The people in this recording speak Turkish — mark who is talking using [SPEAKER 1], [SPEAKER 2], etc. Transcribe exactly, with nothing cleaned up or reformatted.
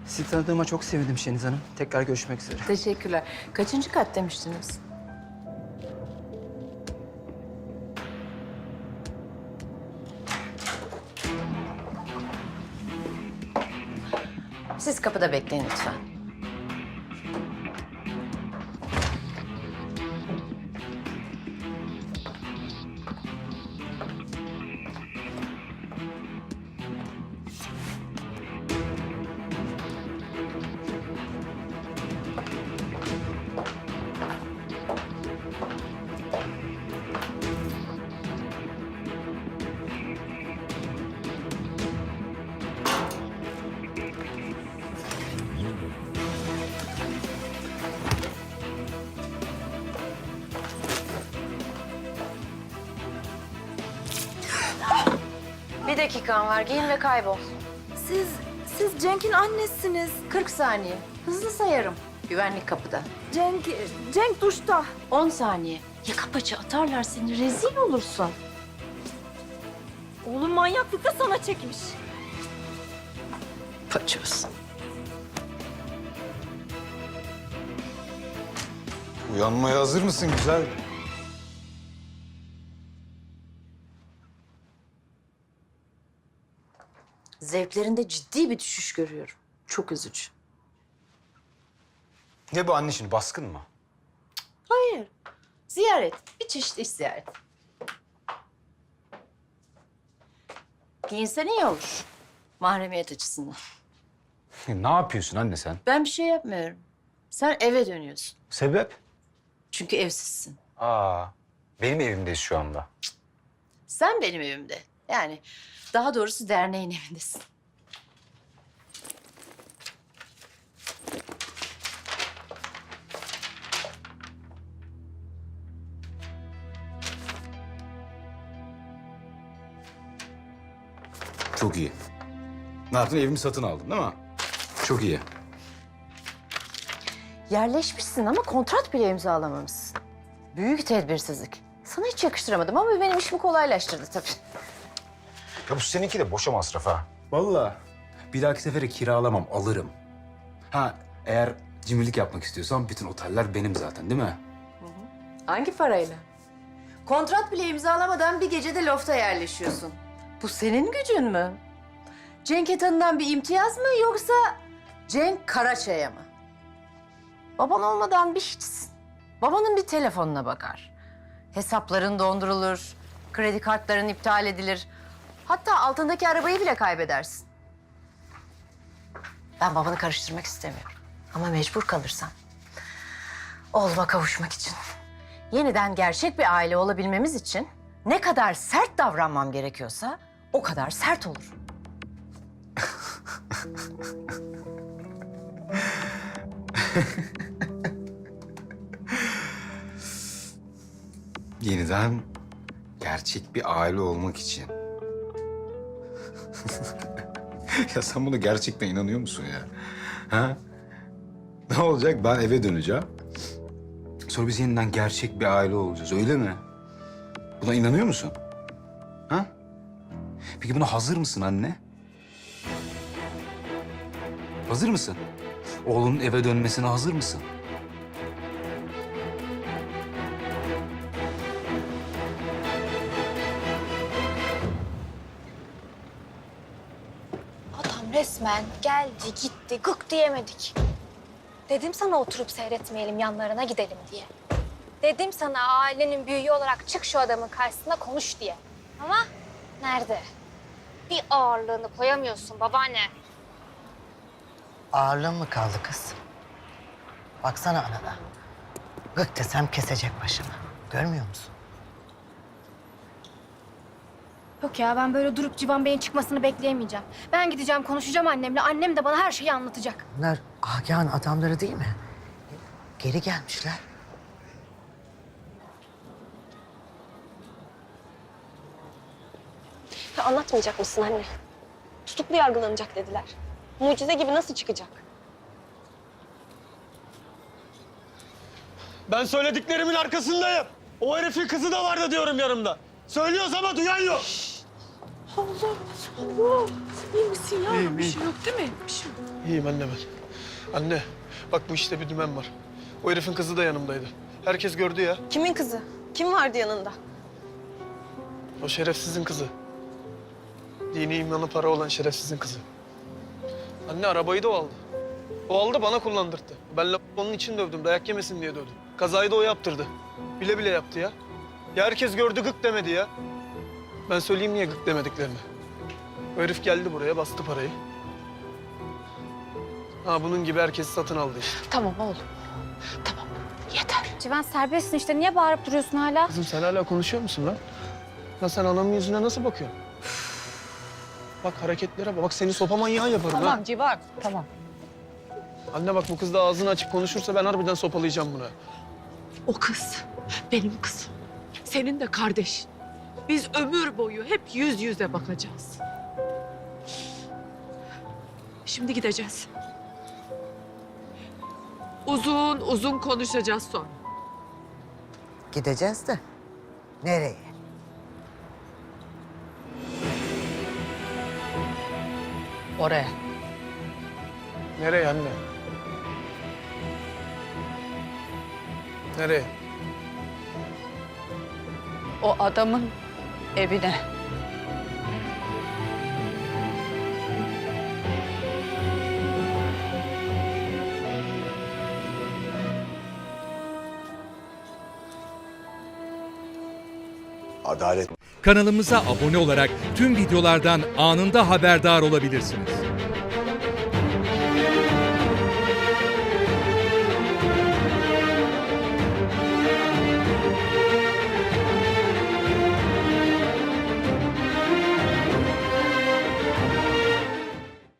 [SPEAKER 1] Sizi tanıdığıma çok sevindim Şeniz Hanım. Tekrar görüşmek üzere.
[SPEAKER 2] Teşekkürler. Kaçıncı kat demiştiniz? Siz kapıda bekleyin lütfen. Bir dakikan var. Giyin ve kaybol.
[SPEAKER 3] Siz, siz Cenk'in annesiniz.
[SPEAKER 2] kırk saniye. Hızlı sayarım. Güvenlik kapıda.
[SPEAKER 3] Cenk, Cenk duşta.
[SPEAKER 2] on saniye. Yaka paça atarlar seni. Rezil olursun.
[SPEAKER 3] Oğlum manyaklıkla sana çekmiş.
[SPEAKER 2] Paçoz.
[SPEAKER 4] Uyanmaya hazır mısın güzel?
[SPEAKER 2] Zevklerinde ciddi bir düşüş görüyorum. Çok üzücü.
[SPEAKER 4] Ne bu anne şimdi, baskın mı?
[SPEAKER 2] Hayır. Ziyaret. Bir çeşit iş ziyareti. Giyinsen iyi olur. Mahremiyet açısından.
[SPEAKER 4] Ne yapıyorsun anne sen?
[SPEAKER 2] Ben bir şey yapmıyorum. Sen eve dönüyorsun.
[SPEAKER 4] Sebep?
[SPEAKER 2] Çünkü evsizsin.
[SPEAKER 4] Aa, benim evimdeyiz şu anda.
[SPEAKER 2] Sen benim evimde. Yani daha doğrusu derneğin evindesin.
[SPEAKER 4] Çok iyi. Ne yaptın? Evimi satın aldın değil mi? Çok iyi.
[SPEAKER 2] Yerleşmişsin ama kontrat bile imzalamamışsın. Büyük tedbirsizlik. Sana hiç yakıştıramadım ama benim işimi kolaylaştırdı tabii.
[SPEAKER 4] Ya bu seninki de boşa masraf ha. Vallahi. Bir dahaki sefere kiralamam, alırım. Ha, eğer cimrilik yapmak istiyorsan bütün oteller benim zaten değil mi?
[SPEAKER 2] Hangi parayla? Kontrat bile imzalamadan bir gecede lofta yerleşiyorsun. Bu senin gücün mü? Cenk Etan'dan bir imtiyaz mı yoksa Cenk Karaçay'a mı? Baban olmadan bir hiçsin. Babanın bir telefonuna bakar. Hesapların dondurulur, kredi kartların iptal edilir. Hatta altındaki arabayı bile kaybedersin. Ben babanı karıştırmak istemiyorum. Ama mecbur kalırsam. Oğluma kavuşmak için. Yeniden gerçek bir aile olabilmemiz için ne kadar sert davranmam gerekiyorsa o kadar sert olur.
[SPEAKER 4] Yeniden gerçek bir aile olmak için. Ya sen buna gerçekten inanıyor musun ya? Ha? Ne olacak? Ben eve döneceğim. Sonra biz yeniden gerçek bir aile olacağız, öyle mi? Buna inanıyor musun? Ha? Peki buna hazır mısın anne? Hazır mısın? Oğlunun eve dönmesine hazır mısın?
[SPEAKER 5] Adam resmen geldi gitti gık diyemedik. Dedim sana oturup seyretmeyelim yanlarına gidelim diye. Dedim sana ailenin büyüğü olarak çık şu adamın karşısına konuş diye. Ama nerede? Bir ağırlığını koyamıyorsun babaanne.
[SPEAKER 6] Ağırlığın mı kaldı kız? Baksana anana. Gık desem kesecek başımı. Görmüyor musun?
[SPEAKER 7] Yok ya ben böyle durup Civan Bey'in çıkmasını bekleyemeyeceğim. Ben gideceğim konuşacağım annemle. Annem de bana her şeyi anlatacak.
[SPEAKER 6] Bunlar Agah'ın adamları değil mi? Geri gelmişler.
[SPEAKER 5] Ya anlatmayacak mısın anne? Tutuklu yargılanacak dediler. Mucize gibi nasıl çıkacak?
[SPEAKER 8] Ben söylediklerimin arkasındayım. O herifin kızı da vardı diyorum yanımda. Söylüyoruz ama duyan yok.
[SPEAKER 3] Allah, Allah. İyi misin ya? Bir şey yok değil mi? Bir şey yok.
[SPEAKER 8] İyiyim anne ben. Anne, bak bu işte bir dümen var. O herifin kızı da yanımdaydı. Herkes gördü ya.
[SPEAKER 3] Kimin kızı? Kim vardı yanında?
[SPEAKER 8] O şerefsizin kızı. Dini imanı para olan şerefsizin kızı. Anne arabayı da o aldı. O aldı bana kullandırdı. Ben la- onun için dövdüm. Dayak yemesin diye dövdüm. Kazayı da o yaptırdı. Bile bile yaptı ya. Ya herkes gördü gık demedi ya. Ben söyleyeyim niye gık demediklerini. O herif geldi buraya bastı parayı. Ha bunun gibi herkesi satın aldı işte.
[SPEAKER 2] Tamam oğlum. Tamam. Yeter.
[SPEAKER 5] Civan serbestsin işte. Niye bağırıp duruyorsun hala?
[SPEAKER 8] Kızım sen hala konuşuyor musun lan? Lan sen anamın yüzüne nasıl bakıyorsun? Bak hareketlere bak. Bak seni sopa manyağı yaparım ha.
[SPEAKER 6] Civan, tamam.
[SPEAKER 8] Anne bak bu kız da ağzını açıp konuşursa ben harbiden sopalayacağım buna.
[SPEAKER 9] O kız benim kızım. Senin de kardeşin. Biz ömür boyu hep yüz yüze bakacağız. Şimdi gideceğiz. Uzun uzun konuşacağız sonra.
[SPEAKER 6] Gideceğiz de nereye? Oraya.
[SPEAKER 8] Nereye anne? Nereye?
[SPEAKER 9] O adamın evine.
[SPEAKER 10] Adalet.
[SPEAKER 11] Kanalımıza abone olarak tüm videolardan anında haberdar olabilirsiniz.